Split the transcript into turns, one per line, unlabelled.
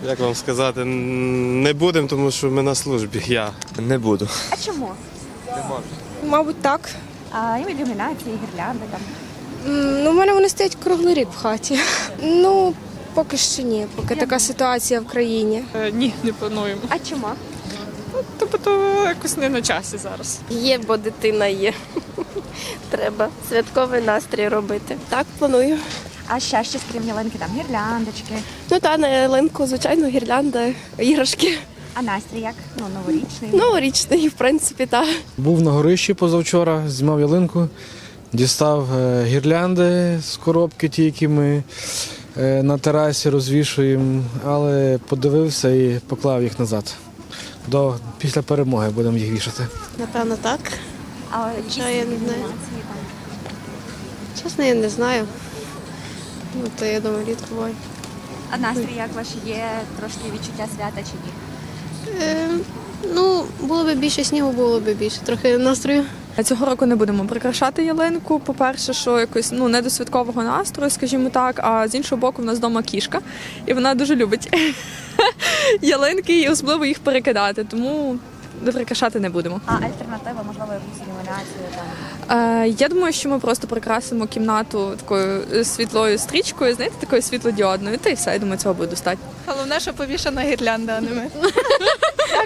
Як вам сказати, не будемо, тому що ми на службі, я.
Не буду.
А чому?
Мабуть, так.
А ілюмінації, гірлянди там.
Ну, у мене вони стоять круглий рік в хаті. Ну, поки що ні, поки така ситуація в країні.
Ні, не плануємо.
А чому?
Тобто то якось не на часі зараз.
Є, бо дитина є. Треба святковий настрій робити. Так, планую.
А ще щось крім ялинки, там гірляндочки.
Ну та на ялинку, звичайно, гірлянда, іграшки.
А настрій як? Ну, новорічний.
Новорічний, в принципі, так.
Був на горищі позавчора, знімав ялинку, дістав гірлянди з коробки, ті, які ми на терасі розвішуємо, але подивився і поклав їх назад. Після перемоги будемо їх вішати.
Напевно, так.
А якісь
я не знаю.
ілюмінації там.
Чесно, я не знаю. Ну, то я думаю, рідко буває.
А настрій як ваш? Є трошки відчуття свята чи ні?
Ну, було б більше снігу, було б більше трохи настрою.
Цього року не будемо прикрашати ялинку. По-перше, що якось не до святкового настрою, скажімо так. А з іншого боку, в нас вдома кішка, і вона дуже любить ялинки і особливо їх перекидати. Тому прикрашати не будемо.
А альтернатива, можливо, якусь ілюмінацію там.
Я думаю, що ми просто прикрасимо кімнату такою світлою стрічкою, знаєте, такою світлодіодною. Та й все, я думаю, цього буде достатньо.
Головне, що повішана гірлянда, а не ми.